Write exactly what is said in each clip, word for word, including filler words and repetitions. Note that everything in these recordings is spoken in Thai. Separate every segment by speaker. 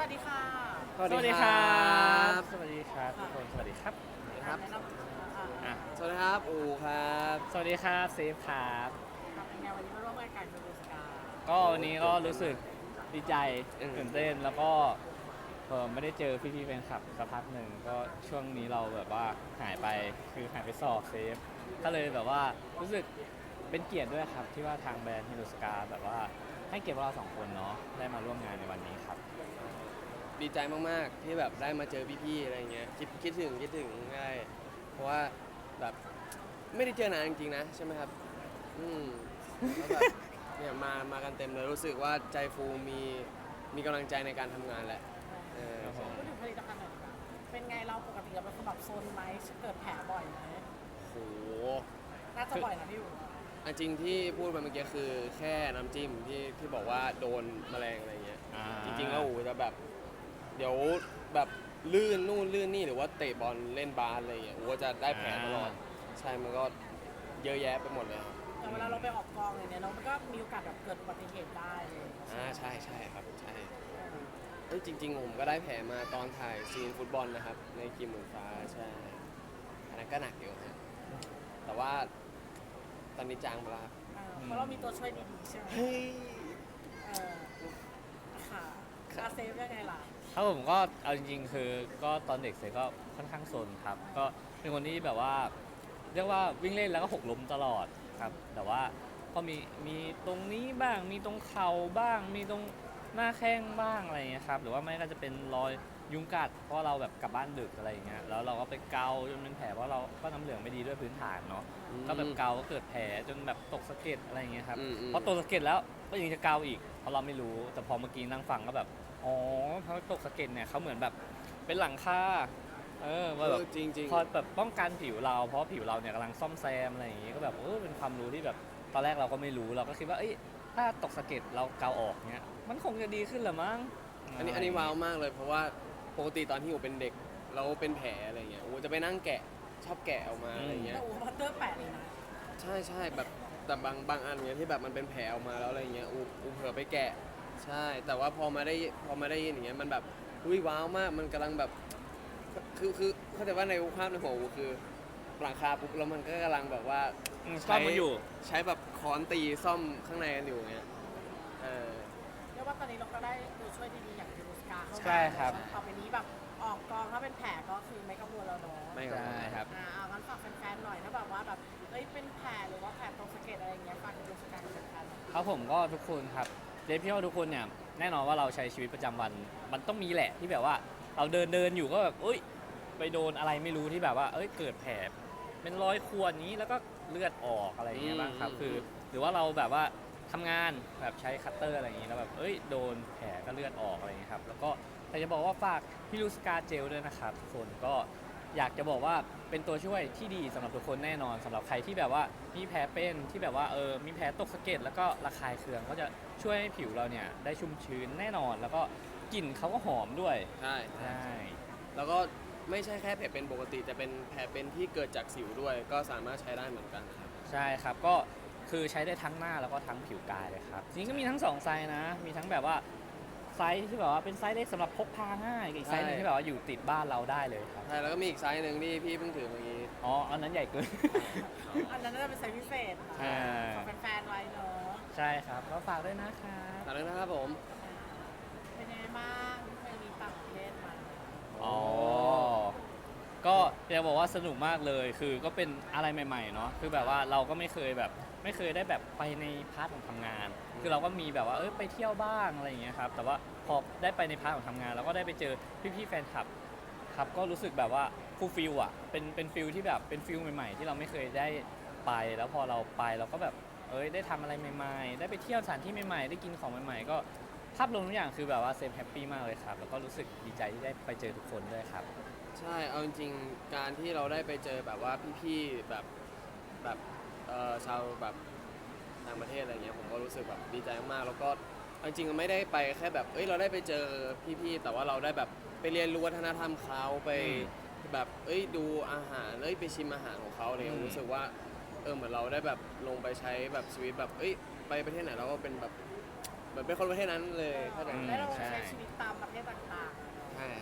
Speaker 1: วัสดีค่ะ
Speaker 2: สวัสดีครับสวัสดีครับทุกคนสวัสดีครับ
Speaker 1: ครับแนะนำอ่า
Speaker 2: อ่ะ
Speaker 3: สวัสดีครับอูครับ
Speaker 2: สวัสดีครับเซฟครับ
Speaker 1: ครับเป็นไงวันนี้มาร่วมรายการดูสกา
Speaker 2: ก็วันนี้ก็รู้สึกดีใจ
Speaker 3: อืม
Speaker 2: ตื่นเต้นแล้วก็เออไม่ได้เจอพี่ๆแฟนคลับสักพักหนึ่งก็ช่วงนี้เราแบบว่าหายไปคือหายไปสอบเซฟก็เลยแบบว่ารู้สึกเป็นเกียรติด้วยครับที่ว่าทางแบรนด์ฮิโรสกาแบบว่าให้เกียรติพวกเราสองคนเนาะได้มาร่วมงานในวันนี้ครับ
Speaker 3: ดีใจมากๆที่แบบได้มาเจอพี่ๆอะไรเงี้ยคิดคิดถึงคิดถึงง่ายเพราะว่าแบบไม่ได้เจอนานจริงๆนะใช่ไหมครับอืมแล้วแบบเนี่ยมามากันเต็มเลยรู้สึกว่าใจฟูมีมีกำลังใจในการทำงานแหละเออ
Speaker 2: ครับผม
Speaker 1: พูดถึงผลิตภัณฑ์หน่อยดีกว่าเป็นไงเราปกติเราเป็นคนแบบโซนไหมเกิดแผลบ่อยไหม
Speaker 3: โห
Speaker 1: น่าจะบ่อยนะพี่อู๋
Speaker 3: อันจริงที่พูดไปเมื่อกี้คือแค่น้ำจิ้มที่ที่บอกว่าโดนแมลงอะไรเงี้ย
Speaker 2: อ่า
Speaker 3: จริงๆแล้วอูจะแบบเดี๋ยวแบบลื่นนู่นลื่นนี่หรือว่าเตะบอลเล่นบาสอะไรเงี้ยอูก็จะได้แผลตลอดใช่มันก็เยอะแยะไปหมดเลยครับ
Speaker 1: แต่เวลาเราไปออกกองเลยเนี่ยเรามันก็มีโอกาสแบบเกิดอุบัติเหตุได้เลย
Speaker 3: อ่าใช่ใช่ครับใช่เอ้ยจริงๆผมก็ได้แผลมาตอนถ่ายซีนฟุตบอลนะครับในกีมหมื่นฟ้าใช่อันนั้นก็หนักอยู่ฮะแต่ว่าตอนนี้จางไปแล้วครับ
Speaker 1: เออเพราะเรามีตัวช่วยดีๆใช่ไหม
Speaker 3: เฮ้ย
Speaker 1: เออค่ะอาเซฟยังไงล่ะ
Speaker 2: ครับผมก็เอาจริงๆคือก็ตอนเด็กเสร็จก็ค่อนข้างซนครับก็เป็นคนที่แบบว่าเรียกว่าวิ่งเล่นแล้วก็หกล้มตลอดครับแต่ว่าก็มีมีตรงนี้บ้างมีตรงเข่าบ้าง มีตรงหน้าแข้งบ้างอะไรอย่างเงี้ยครับหรือว่าไม่ก็จะเป็นรอยยุงกัดเพราะเราแบบกลับบ้านดึกอะไรอย่างเงี้ยแล้วเราก็ไปเกาจนเป็นแผลเพราะเราก็น้ำเหลืองไม่ดีด้วยพื้นฐานเนาะก็แบบเกาก็เกิดแผลจนแบบตกสะเก็ดอะไรอย่างเงี้ยครับ
Speaker 3: อืมอืม
Speaker 2: พอตกสะเก็ดแล้วก็ยังจะเกาอีกเพราะเราไม่รู้แต่พอเมื่อกี้นั่งฟังก็แบบอ๋อเพราะตกสะเก็ดเนี่ยเขาเหมือนแบบเป็นหลังคาเออว่าแบบ
Speaker 3: เออจริงๆ
Speaker 2: พอแบบป้องกันผิวเราเพราะผิวเราเนี่ยกำลังซ่อมแซมอะไรอย่างงี้ก็แบบเออเป็นความรู้ที่แบบตอนแรกเราก็ไม่รู้เราก็คิดว่าเอ้ยถ้าตกสะเก็ดเราเกาออกเนี่ยมันคงจะดีขึ้นเหรือมั้ง
Speaker 3: อันนี้อันนี้ว้าวมากเลยเพราะว่าปกติตอนที่อูเป็นเด็กเราเป็นแผลอะไรเงี้ยอูจะไปนั่งแกะชอบแกะออกมาอะไรเงี้
Speaker 1: แต่
Speaker 3: ย
Speaker 1: อูพัตเตอร์แปะเลยนะ
Speaker 3: ใช่ใช่แบบแต่บางบางอันเนี้ยที่แบบมันเป็นแผลออกมาแล้วอะไรเงี้ยอูอูเผลอไปแกะใช่ แต่ว่าพอมาได้พอมาได้ยินอย่างเงี้ยมันแบบอุ้ยว้าวมากมันกำลังแบบคือคือเข้าใจว่าในภาพในหัวอูคือหลังคาปุ๊บแล้วมันก็กำลังแบบว่า
Speaker 2: อืมซ่อมมันอยู่
Speaker 3: ใช้แบบค้อนตีซ่อมข้างในกันอยู่เงี้ยเออ
Speaker 1: เรียกว่าตอนนี้เราก็ได้ตัวช่วยดีๆอย่างยูโรสกาเข้ามา
Speaker 2: ใช่ครับ
Speaker 1: ต่อไปนี้แบบออกกองถ้าเป็นแผลก็คือไม่กังวลแล้วเนาะ
Speaker 3: ไม่ครับ
Speaker 2: ใช่ครับ
Speaker 1: อ่าเอางั้นฝากแฟนๆหน่อยถ้าแบบว่าแบบเอ้ยเป็นแผลหรือว่าแผลตรงสะเก็ดอะไรอย่างเงี้ยฝากยูโรสกาเป็นกัน
Speaker 2: ครับผมก็ทุกคนครับเดฟพี่ว่าทุกคนเนี่ยแน่นอนว่าเราใช้ชีวิตประจำวัน มันต้องมีแหละที่แบบว่าเราเดินเดินอยู่ก็แบบเอ้ยไปโดนอะไรไม่รู้ที่แบบว่าเอ้ยเกิดแผลเป็นรอยข่วนนี้แล้วก็เลือดออกอะไรอย่างเงี้ยบ้างครับ
Speaker 3: อืม
Speaker 2: คือ หรือว่าเราแบบว่าทำงานแบบใช้คัตเตอร์อะไรอย่างงี้แล้วแบบเอ้ยโดนแผลก็เลือดออกอะไรอย่างเงี้ยครับแล้วก็แต่จะบอกว่าฝากฮิลูสกาเจลด้วยนะครับทุกคนก็อยากจะบอกว่าเป็นตัวช่วยที่ดีสำหรับทุกคนแน่นอนสำหรับใครที่แบบว่ามีแผลเป็นที่แบบว่าเออมีแผลตกสะเก็ดแล้วก็ระคายเคืองก็จะช่วยให้ผิวเราเนี่ยได้ชุ่มชื้นแน่นอน แล้วก็กลิ่นเขาก็หอมด้วย
Speaker 3: ใช่
Speaker 2: ใช่
Speaker 3: แล้วก็ไม่ใช่แค่แผลเป็นปกติแต่เป็นแผลเป็นที่เกิดจากสิวด้วย ก็สามารถใช้ได้เหมือนกันนะครับ
Speaker 2: ใช่ครับก็คือใช้ได้ทั้งหน้าแล้วก็ทั้งผิวกายเลยครับจริงๆก็มีทั้งสองไซส์นะมีทั้งแบบว่าไซส์ที่แบบว่าเป็นไซส์เล็กสำหรับพกพาง่ายกับอีกไซส์หนึง
Speaker 3: ใช่
Speaker 2: ที่แบบว่าอยู่ติดบ้านเราได้เลยครับ
Speaker 3: ใช่แล้วก็มีอีกไซส์หนึ่งที่พี่เพิ่งถือเมื่อกี้
Speaker 2: อ๋ออันนั้นใหญ่เกิน
Speaker 1: อันนั้นน่าจะเป็นไซส์พิเศษนะ
Speaker 2: อ่า
Speaker 1: ขอแฟนๆไว้เนาะ
Speaker 2: ใช่ครับก็ฝากด้วยนะครับ
Speaker 3: ขอบคุณนะครับผม
Speaker 1: เป็นยังไงบ้างที่เคยมีต่างประเทศมา
Speaker 2: อ๋อก็อยากบอกว่าสนุกมากเลย คือก็เป็นอะไรใหม่ๆเนาะคือแบบว่าเราก็ไม่เคยแบบไม่เคยได้แบบไปในพาร์ทของทำงาน คือเราก็มีแบบว่าเออไปเที่ยวบ้างอะไรอย่างเงี้ยครับแต่ว่าพอได้ไปในพาร์ทของทำงานเราก็ได้ไปเจอพี่ๆแฟนคลับครับก็รู้สึกแบบว่าฟูลฟิลอ่ะเป็นเป็นฟิลที่แบบเป็นฟิลใหม่ๆ ที่เราไม่เคยได้ไปแล้วพอเราไปเราก็แบบเอ้ยได้ทำอะไรใหม่ๆ ได้ไปเที่ยวสถานที่ใหม่ๆ ได้กินของใหม่ๆ ก็ภาพรวมทุกอย่างคือแบบว่าเซฟแฮปปี้มากเลยครับแล้วก็รู้สึกดีใจที่ได้ไปเจอทุกคนด้วยครับ
Speaker 3: ใช่เอาจริงๆการที่เราได้ไปเจอแบบว่าพี่ๆแบบแบบเอ่อชาวแบบต่างประเทศอะไรเงี้ยผมก็รู้สึกแบบดีใจมากๆแล้วก็เอาจริงๆไม่ได้ไปแค่แบบเอ้ยเราได้ไปเจอพี่ๆแต่ว่าเราได้แบบไปเรียนรู้วัฒนธรรมเขาไป
Speaker 2: อืม
Speaker 3: แบบเอ้ยดูอาหารเอ้ยไปชิมอาหารของเขาอะไรเงี้ย
Speaker 2: อืม
Speaker 3: รู้สึกว่าเออเหมือนเราได้แบบลงไปใช้แบบชีวิตแบบเอ้ยไปประเทศไหนเราก็เป็นแบบเหมือนเป็นคนประเทศนั้นเลยเข้าใจไหม
Speaker 1: แล้วเรา
Speaker 2: ใช่
Speaker 1: ใช้ชีวิตตามประเทศต่าง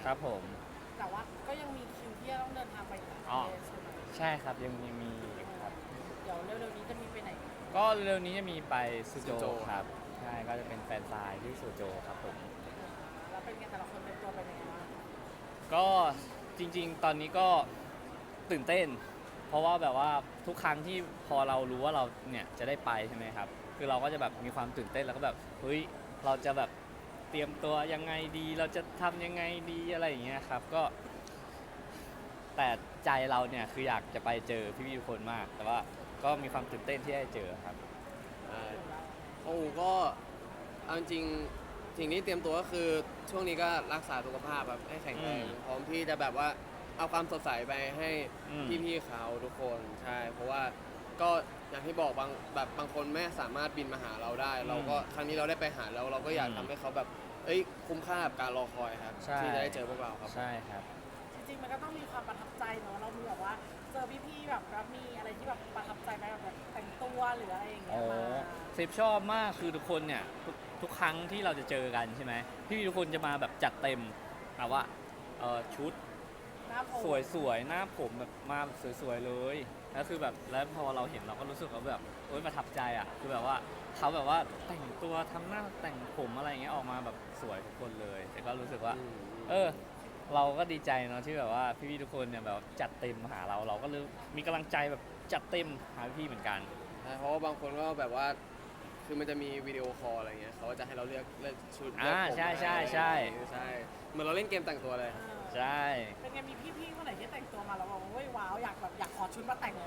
Speaker 2: ครับผม
Speaker 1: แต่ว่าก็ยังมีคิวที่จะต้องเดินทางไปต่างประ
Speaker 2: อ๋อ
Speaker 1: เทศใช่ไหม
Speaker 2: ใช่ครับยังมีมีครับ
Speaker 1: เดี๋ยวเร็วๆนี้จะมีไปไหน
Speaker 2: ก็เร็วๆนี้จะมีไปซูโจ
Speaker 3: ซูโจ
Speaker 2: ครับใช่ก็จะเป็นแฟนซายที่ซูโจครับผม
Speaker 1: แล้วเป็นไงแต่ละคนเป็นตัวเป็นยังไงบ้าง
Speaker 2: ก็จริงๆ ตอนนี้ก็ตื่นเต้น เพราะว่าแบบว่าทุกครั้งที่พอเรารู้ว่าเราเนี่ยจะได้ไปใช่ไหมครับ คือเราก็จะแบบมีความตื่นเต้นแล้วก็แบบเฮ้ยเราจะแบบเตรียมตัวยังไงดี เราจะทำยังไงดีอะไรอย่างเงี้ยครับก็ แต่ใจเราเนี่ยคืออยากจะไปเจอพี่ๆทุกคนมาก แต่ว่าก็มีความตื่นเต้นที่ได้เจอครับ
Speaker 3: ใช่โอ้ก็เอาจริงๆสิ่งที่เตรียมตัวก็คือช่วงนี้ก็รักษาสุขภาพแบบให้แข็งแรง
Speaker 2: อืม
Speaker 3: พร้อมที่จะแบบว่าเอาความสดใสไปให้
Speaker 2: อืม
Speaker 3: พี่ๆเขาทุกคนใช่ เพราะว่าก็อย่างที่บอกบางแบบบางคนไม่สามารถบินมาหาเราได้ เราก็ครั้งนี้เราได้ไปหาแล้วเราก็อยากทำให้เขาแบบเอ้ยคุ้มค่ากับการรอคอยครับ
Speaker 2: ใช่
Speaker 3: ที่จะได้เจอพวกเราครับ
Speaker 2: ใช่ครับ
Speaker 1: จริงๆมันก็ต้องมีความประทับใจเนาะเรามีแบบว่าเจอพี่ๆแบบแล้วมีอะไรที่แบบประทับใจไหมแบบแต่งตัวหรืออะไรอย่างเงี้
Speaker 2: โอ้
Speaker 1: ยมา
Speaker 2: เซฟชอบมากคือทุกคนเนี่ยทุกทุกครั้งที่เราจะเจอกันใช่ไหมพี่ๆทุกคนจะมาแบบจัดเต็มแบบว่าเออชุด
Speaker 1: หน้าผม
Speaker 2: สวยๆหน้าผมแบบมาแบบสวยๆเลยแล้วคือแบบแล้วพอเราเห็นเราก็รู้สึกว่าแบบโอ๊ยประทับใจอ่ะคือแบบว่าเขาแบบว่าแต่งตัวทำหน้าแต่งผมอะไรอย่างเงี้ยออกมาแบบสวยทุกคนเลยแต่ก็รู้สึกว่า
Speaker 3: อืม
Speaker 2: เออ เราก็ดีใจเนาะที่แบบว่าพี่ๆทุกคนเนี่ยแบบจัดเต็มมาหาเราเราก็เลยมีกำลังใจแบบจัดเต็มหาพี่ๆเหมือนกัน
Speaker 3: ใช่เพราะว่าบางคนก็แบบว่า คือมันจะมีวิดีโอคอลอะไรเงี้ยเขาก็จะให้เราเลือกเลือกชุดเลือก
Speaker 2: อ่า
Speaker 3: ผม
Speaker 2: ใช่ใช่
Speaker 3: อะไร
Speaker 2: ใช่
Speaker 3: ใช่เหมือนเราเล่นเกมแต่งตัวเลย
Speaker 1: เออ
Speaker 2: ใช่
Speaker 1: เป็นไงมีพี่ๆคนไหนที่แต่งตัวมาแล้วบอกว่าเฮ้ยว้าวอยากแบบอยากขอชุดมาแต่งเลย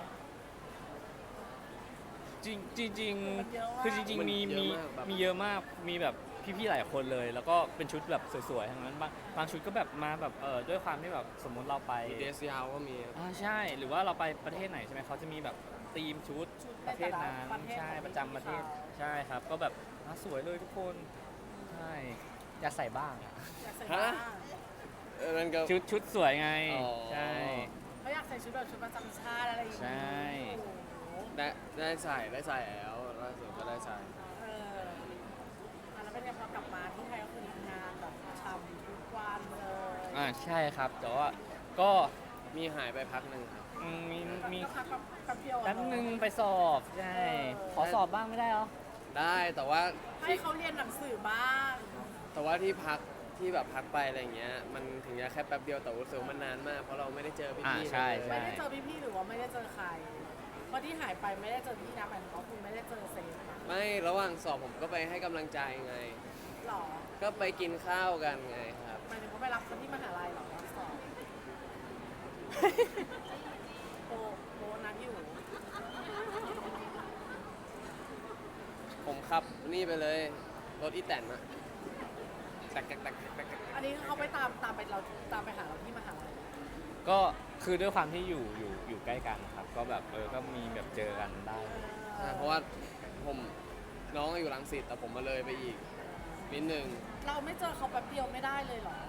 Speaker 2: จริงจริงจริง
Speaker 1: มันเยอะมาก
Speaker 2: คือจริง
Speaker 3: มัน
Speaker 2: ๆมี
Speaker 3: เยอะ
Speaker 2: มี
Speaker 3: มากแบบ
Speaker 2: มีเยอะมากมีแบบพี่ๆหลายคนเลย แล้วก็เป็นชุดแบบสวยๆทั้งนั้นบางบางชุดก็แบบมาแบบเออด้วยความที่แบบสมมุติเราไป
Speaker 3: เดสยาวก็มี
Speaker 2: อ่าใช่หรือว่าเราไปประเทศไหนใช่ไหมเขาจะมีแบบธีมชุด
Speaker 1: ชุด
Speaker 2: ประเทศนั้น
Speaker 1: ประเทศ
Speaker 2: ใช่
Speaker 1: ของ
Speaker 2: ประจำประเทศ
Speaker 1: เขา
Speaker 2: ใช่ครับ ก็แบบอ่ะสวยเลยทุกคนใช่อยากใส่บ้างอะ
Speaker 1: อยากใส่บ้าง
Speaker 3: เออนั่นก็
Speaker 2: ชุดชุดสวยไง
Speaker 3: อ๋อ
Speaker 2: ใช่
Speaker 1: เขาอยากใส่ชุดแบบชุดประจำชาติอะไรอย่าง
Speaker 2: ใช่
Speaker 1: งี้โอ้โห
Speaker 3: ได้ได้ใส่ได้ใส่แล้วล่าสุดก็ได้ใส่
Speaker 1: เอออ่ะแล้วเป็นไงพอกลับมาที่ไทยก็คือทำงานแบบทำทุกวันเลย
Speaker 2: อ่าใช่ครับ แต่ว่าก็
Speaker 3: มีหายไปพักหนึ่งครับ
Speaker 2: อืมมีมี
Speaker 1: ก็พักแบบแป๊บเดียวอะ
Speaker 2: แป๊บนึงไปสอบ ใช่
Speaker 1: เออ
Speaker 2: ขอสอบบ้างไม่ได้เหรอ
Speaker 3: ได้แต่ว่า
Speaker 1: ให้เขาเรียนหนังสือบ้าง
Speaker 3: แต่ว่าที่พักที่แบบพักไปอะไรเงี้ยมันถึงจะแค่แป๊บเดียวแต่รู้สึกว่ามันนานมากเพราะเราไม่ได้เจอพี่
Speaker 2: อ่า
Speaker 3: ๆ
Speaker 2: ใช่
Speaker 3: เลย
Speaker 2: ใช่
Speaker 1: ไม่ได้เจอพี่ๆหรือว่าไม่ได้เจอใครเพราะที่หายไปไม่ได้เจอพี่นะหมายถึงว่าคุณไม่ได้เจอเซฟนะ
Speaker 3: ไม่ระหว่างสอบผมก็ไปให้กำลังใจไง
Speaker 1: หรอ
Speaker 3: ก็ไปกินข้าวกันไงครับ
Speaker 1: หมายถึงว่าไปรับคนที่มหาลัยเหรอรับสอบโปโปนั้นอยู่
Speaker 3: ผมขับนี่ไปเลยรถอีแตนอะตักตักตักตักตักตัก
Speaker 1: อันนี้เขาไปตามตามไปเราตามไปหาเราที่มหาลัย
Speaker 2: ก็คือด้วยความที่อยู่อยู่อยู่ใกล้กันครับ ก็แบบเออก็มีแบบเจอกันได้
Speaker 3: ใช่เพราะว่าผมน้องอยู่รังสิตแต่ผมมาเลยไปอีกนิดนึง
Speaker 1: เราไม่เจอเขาแป๊บเดียวไม่ได้เลยเหรอ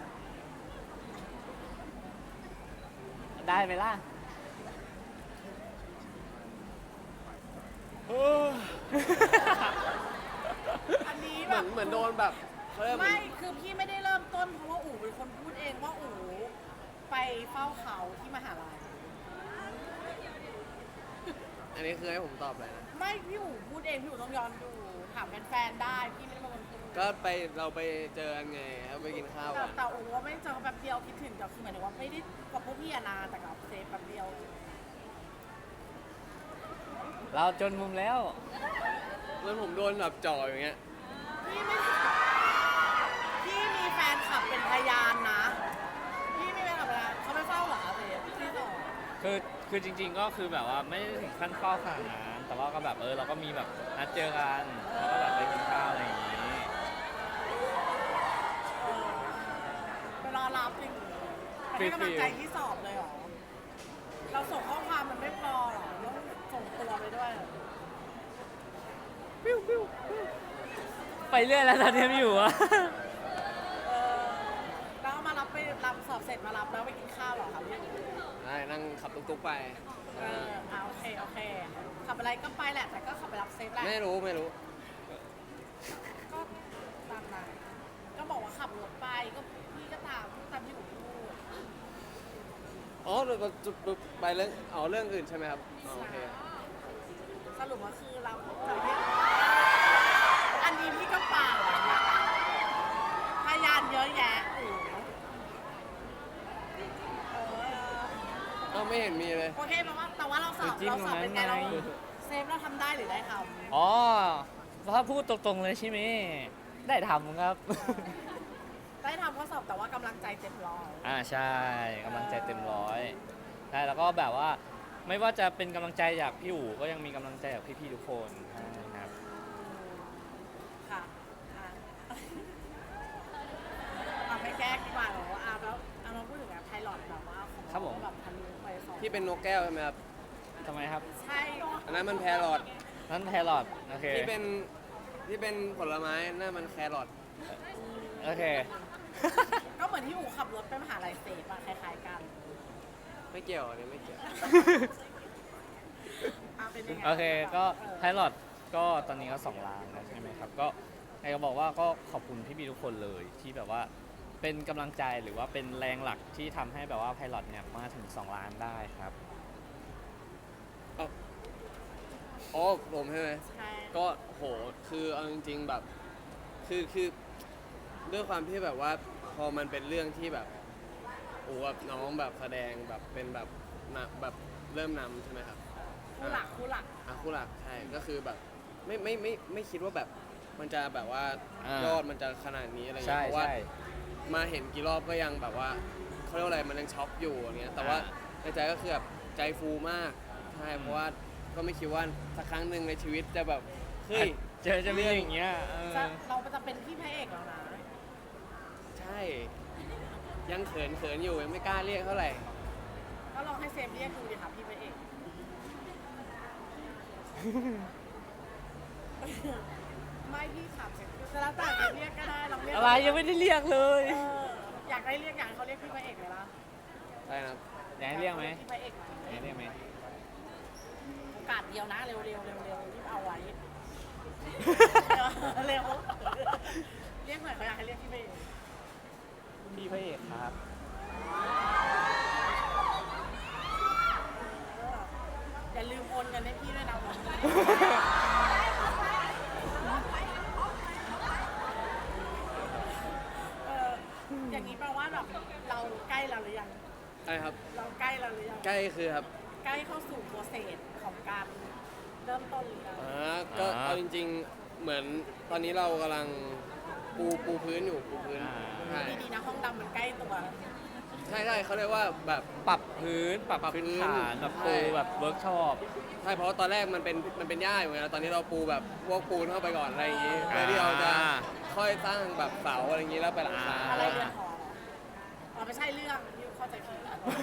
Speaker 2: ได้ไหมล่ะ
Speaker 1: อันนี้
Speaker 3: เห
Speaker 1: แบ
Speaker 3: มือบ นเหมือนโดนแบบเขาเรียกเหมื
Speaker 1: ไม่
Speaker 3: อน
Speaker 1: คือพี่ไม่ได้เริ่มต้นเพราะว่าอู๋เป็นคนพูดเองว่าอู๋ไปเฝ้าเขาที่มหาลัย
Speaker 3: อันนี้คือให้ผมตอบเลยนะ
Speaker 1: ไม่พี่อู๋พูดเองพี่อู๋ต้องย้อนดูถามแฟนๆได้พี่ไม่ได้เป็นคนพูด
Speaker 3: ก็ไปเราไปเจอกันไงครับไปกินข้าว
Speaker 1: แต่
Speaker 3: กัน
Speaker 1: แต่อู๋ว่าไม่เจอเขาแป๊บเดียวคิดถึงแต่คือหมายถึงว่าไม่ได้กับพวกพี่อะนานแต่กับเซฟแป๊บเดียว
Speaker 2: เราจนมุมแล้ว
Speaker 3: แล้วผมโดนแบบจ่ออย่างเงี้ย
Speaker 1: พี่ไม่พี่มีแฟนคลับเป็นพยานนะพี่มีแฟนคลับเป็นพยานเขาไปเฝ้าเหรอเซฟพี่ต่อ
Speaker 2: คือคือจริง ๆ ก็คือแบบว่าไม่ได้ถึงขั้นเฝ้าขนาดนั้นแต่ว่าก็แบบเออเราก็มีแบบนัดเจอกันแล้วก็แบบไปกินข้าวอะไรอย่างนี้
Speaker 1: ไปรอรับจริงไปให้กำลังใจที่สอบเลยเหรอ เราส่งข้อความมันไม่พอเหรอต้องส่งตัวไปด้วยเหรอ
Speaker 2: ปิ้วปิ้วปิ้วไปเรื่อยแล้วตอนนี้ไม่อยู่อะ
Speaker 1: เออแล้วเอามารับไปรับสอบเสร็จมารับแล้วไปกินข้าวเหรอครับพี่
Speaker 3: ได้นั่งขับตุ๊กๆไป
Speaker 1: เอออ่าโอเคโอเค ขับอะไรก็ไปแหละ แต่ก็ขับไปรับเซฟแหละ
Speaker 3: ไม่รู้ไม่รู้
Speaker 1: ก็ตามนั้นก็บอกว่าขับรถไปก็พี่ก็ตามตาม
Speaker 3: อ๋อเราจุดไปเรื่องอ๋อเรื่องอื่นใช่ไหมครับอ๋อโอเค
Speaker 1: สรุปว่าคือเราจะเรียกอันนี้พี่ก็เปล่าพยานเยอะแยะโอ้โหเออ
Speaker 3: เอ้าไม่เห็นมีเลย
Speaker 1: โอเคแปลว่าแต่ว่าเราสอบ
Speaker 2: จิ้ม
Speaker 1: เราสอบเป็นไง
Speaker 2: ตรงนั้
Speaker 1: เรา
Speaker 2: นไง
Speaker 1: เซฟเราทำได้หรือได้ท
Speaker 2: อ๋อถ้าพูดตรงๆเลยใช่ไหมได้ทำครับ
Speaker 1: ำได้ทำข้อสอบแต่ว่ากำลังใจเต็มร้อย
Speaker 2: อ่าใช่กำลังใจเต็มร้อยใช่แล้วก็แบบว่าไม่ว่าจะเป็นกำลังใจจากพี่อู๋ก็ยังมีกำลังใจจากพี่ๆทุกคนใช่ครับ
Speaker 1: ค่ะอ่ะเอาไปแก้ดีกว่าเหรออ่ะแล้วเอามาพูดถึงแบบไพลอตแบบว่าของ
Speaker 2: ครับผม
Speaker 1: แบบทะลุไปสอง
Speaker 3: ที่เป็นนกแก้วใช่ไหมครับ
Speaker 2: ทำไมครับ
Speaker 1: ใช่
Speaker 3: อันนั้นมันแพรอท
Speaker 2: นั่นแพรอทโอเค
Speaker 3: ที่เป็นที่เป็นผลไม้นั่นมันแครอท
Speaker 2: โอเค
Speaker 1: ก็เหมือนที่อู๋ขับรถไปมหาลัยเสพอะคล้ายๆกัน
Speaker 3: ไม่เกี่ยวอันนี้ไม่เกี่ยว
Speaker 1: อ่ะเป็นยังไง
Speaker 2: โอเคก็
Speaker 1: เออ
Speaker 2: ไพลอตก็ตอนนี้ก็สองล้านแล้วใช่ไหมครับก็อยากจะบอกว่าก็ขอบคุณพี่บีทุกคนเลยที่แบบว่าเป็นกำลังใจหรือว่าเป็นแรงหลักที่ทำให้แบบว่าไพลอตเนี่ยมาถึงสองล้านได้ครับ
Speaker 3: อ๋อผมใช่ไหม
Speaker 1: ใช่
Speaker 3: ก็โหคือเอาจริงๆแบบคือคือด้วยความที่แบบว่าพอมันเป็นเรื่องที่แบบโอ้กับน้องแบบแสดงแบบเป็นแบบนำแบบเริ่มนำใช่ไหมครับ
Speaker 1: คู่หลักคู่หลัก
Speaker 3: อ่ะคู่หลักใช่ก็คือแบบไม่ไม่ไม่ไม่คิดว่าแบบมันจะแบบว่า
Speaker 2: อ่าย
Speaker 3: ยอดมันจะขนาดนี้อะไรเงี้
Speaker 2: ใช่
Speaker 3: ยเพราะว่า
Speaker 2: ใช่
Speaker 3: มาเห็นกี่รอบก็ยังแบบว่าเขาเรียกว่าอะไรมันยังช็อกอยู่อย่างเงี้ยแต่ว่า
Speaker 2: อ่า
Speaker 3: ในใจก็คือแบบใจฟูมากใช่เพราะว่าก็ไม่คิดว่าสักครั้งหนึ่งในชีวิตจะแบบเฮ้ย
Speaker 2: เจอจะมีอย่างเงี้ยเออ
Speaker 1: จะเราจะเป็นพี่พระเอกแล้วนะ
Speaker 3: ใช่ยังเขินเขินอยู่ยังไม่กล้าเรียกเท่าไหร่
Speaker 1: ก็ลองให้เซฟเรียกดูดิค่ะพี่พระเอก ไม่พี่ขับเสร็จจะแล้วแต่จะเรียกก็ได้ลองเรียก
Speaker 2: อะไรยังไม่ได้เรียกเลย
Speaker 1: เอออยากได้เรียกอย่างเขาเรียกพี่พระเอกเลยล่ะ
Speaker 3: ได้นะครับ
Speaker 2: อยากให้เรียกไหม
Speaker 1: พี่พระเอกไหม
Speaker 2: อยากให้เรียกไหม
Speaker 1: โอกาสเดียวนะเร็วๆเร็วๆเร็วๆรีบเอาไว้ เร็วเรียกหน่อยเขาอยากให้เรียกพี่พระเอก
Speaker 2: พี่พระเอกครับ
Speaker 1: เอออย่าลืมโอนเงินให้พี่ด้วยนะวันนี้เอออย่างนี้แปลว่าแบบเราใกล้เราหรือยัง
Speaker 3: ใช่ครับ
Speaker 1: เราใกล้เราหรือยัง
Speaker 3: ใกล้คือครับ
Speaker 1: ใกล้เข้าสู่โปรเซสของการเริ่มต้นหรือยัง
Speaker 3: อ่าก็
Speaker 2: อ่า
Speaker 3: เอาจริงๆเหมือนตอนนี้เรากำลังปูปูพื้นอยู่ปูพื้น
Speaker 2: อ่า
Speaker 3: ใช่
Speaker 1: ดีๆนะห้องดำมันใกล้ตัว
Speaker 3: ใช่ใช่เขาเรียกว่าแบบ
Speaker 2: ปรับพื้นปรับ
Speaker 3: ปรับ
Speaker 2: พื้น
Speaker 3: พื้น
Speaker 2: ฐานแบบ
Speaker 3: ใช่
Speaker 2: ปูแบบเวิร์กช็อป
Speaker 3: ใช่เพราะว่าตอนแรกมันเป็นมันเป็นหญ้าอยู่ไงตอนนี้เราปูแบบพวกปูนเข้าไปก่อนอะไรอย่างงี้
Speaker 2: อ่า
Speaker 3: เพื่อที่เราจะค่อยสร้างแบบเสาอะไรอย่างงี้แล้วไปหลังคา
Speaker 1: อะไรเรือนหออ๋อไม่ใช่เรื่องยูเข้าใจผิด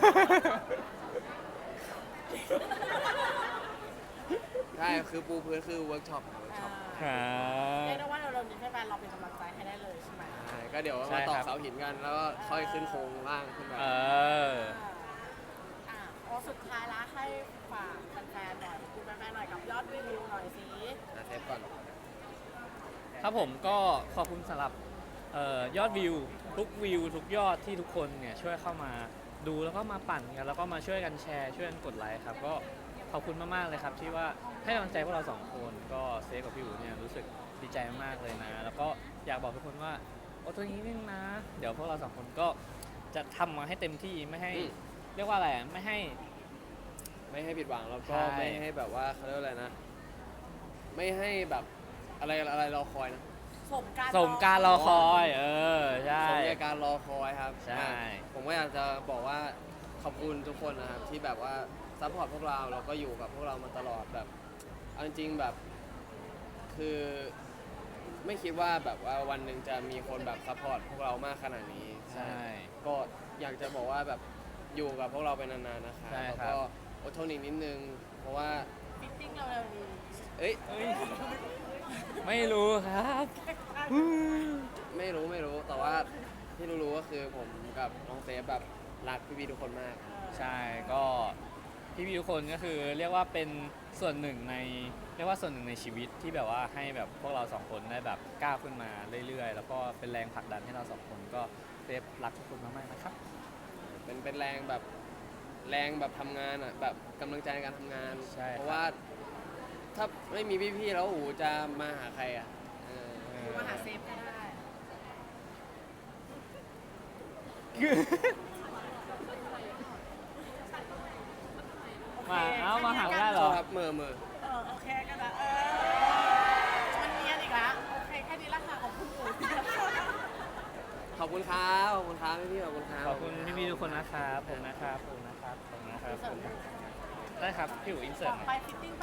Speaker 3: ใช่คือปูพื้นคือเวิร์กช็อปเวิร์กช็อป
Speaker 2: ครับ
Speaker 1: เรียกได้ว่าเรานี้แฟนๆเราเป็นกำลังใจให้ได้เลยใช่ไหม
Speaker 3: ใช่ก็เดี๋ยว
Speaker 2: ใช่
Speaker 3: มาต่อ
Speaker 2: ครับ
Speaker 3: เสาหินกันแล้วก็ค่อยขึ้นโครงล่างขึ้นไป
Speaker 2: เออ
Speaker 1: อ่าอ๋อสุดท้ายละให้ฝากแฟนๆหน่อยคุณแฟนๆหน่อยกับยอดวิวหน่อยสิ
Speaker 3: อ่ะเทปก่อน
Speaker 2: ครับผมก็ขอบคุณสำหรับเอ่อยอดวิวทุกวิวทุกยอดที่ทุกคนเนี่ยช่วยเข้ามาดูแล้วก็มาปั่นกันแล้วก็มาช่วยกันแชร์ช่วยกันกดไลค์ครับก็ขอบคุณมากๆเลยครับที่ว่าให้กำลังใจพวกเราสองคนก็เซฟกับพี่อู๋เนี่ยรู้สึกดีใจมากๆเลยนะ แล้วก็อยากบอกทุกคนว่าโอ้ตัวนี้นึงนะ เดี๋ยวพวกเราสองคนก็จะทำมาให้เต็มที่ไม่ให้
Speaker 3: อืม
Speaker 2: เรียกว่าอะไรอะไม่ให้
Speaker 3: ไม่ให้ผิดหวังแล้วก็
Speaker 2: ใช่
Speaker 3: ไม่ให้แบบว่าเขาเรียกว่าอะไรนะ ไม่ให้แบบอะไรอะไรรอคอยนะ
Speaker 1: สมการ
Speaker 2: สมการรอคอย เออใช่
Speaker 3: สมกับการรอคอยครับ
Speaker 2: ใช่
Speaker 3: อ่ะผมก็อยากจะบอกว่าขอบคุณทุกคนนะครับที่แบบว่าซัพพอร์ตพวกเราแล้วก็อยู่กับพวกเรามาตลอดแบบเอาจริงๆแบบคือไม่คิดว่าแบบว่าวันหนึ่งจะมีคนแบบซัพพอร์ตพวกเรามากขนาดนี้
Speaker 2: ใช่
Speaker 3: ก็อยากจะบอกว่าแบบอยู่กับพวกเราไปนานๆนะคะ
Speaker 2: ใช่
Speaker 3: แล้ว
Speaker 2: ครับ
Speaker 3: ก็อดทนอีกนิดนึง เพราะว่า
Speaker 1: ฟิตติ้งเราเร็วดี
Speaker 3: เอ้ย
Speaker 2: เอ้ยไม่รู้ครับ
Speaker 3: ไม่รู้ไม่รู้แต่ว่าที่รู้ๆก็คือผมกับน้องเซฟแบบรักพี่ๆทุกคนมาก
Speaker 2: ใช่ก็พี่พี่ๆทุกคนก็คือเรียกว่าเป็นส่วนหนึ่งในเรียกว่าส่วนหนึ่งในชีวิตที่แบบว่าให้แบบพวกเราสองคนได้แบบก้าวขึ้นมาเรื่อยๆ แล้วก็เป็นแรงผลักดันให้เราสองคนก็เซฟรักทุกคนมากๆนะครับ
Speaker 3: เป็นเป็นแรงแบบแรงแบบทำงานอ่ะแบบกำลังใจในการทำงาน
Speaker 2: ใช่
Speaker 3: เพราะว่าถ้าไม่มีพี่ๆแล้วโอ้โหจะมาหาใครอ่ะเออ
Speaker 1: มาหาเซฟก็ได้
Speaker 2: มาเอ้ามาหาไม่ได้เห
Speaker 3: โท
Speaker 2: รอ
Speaker 3: ษครับเมอเมอ
Speaker 1: เออโอเคก็ได้เออมันเนียนอีกแล้วโอเคแค่นี้ละค่ะของคุณปู่
Speaker 3: ขอบคุณครับขอบคุณครับพี่ๆขอบคุณครับ
Speaker 2: ขอบคุณพี่ๆทุกคนนะครับผมนะครับผมนะครับผมนะครับผมได้ครับพี่อู๋อินเสิร์ต
Speaker 1: ต่อไปฟิตติ้ง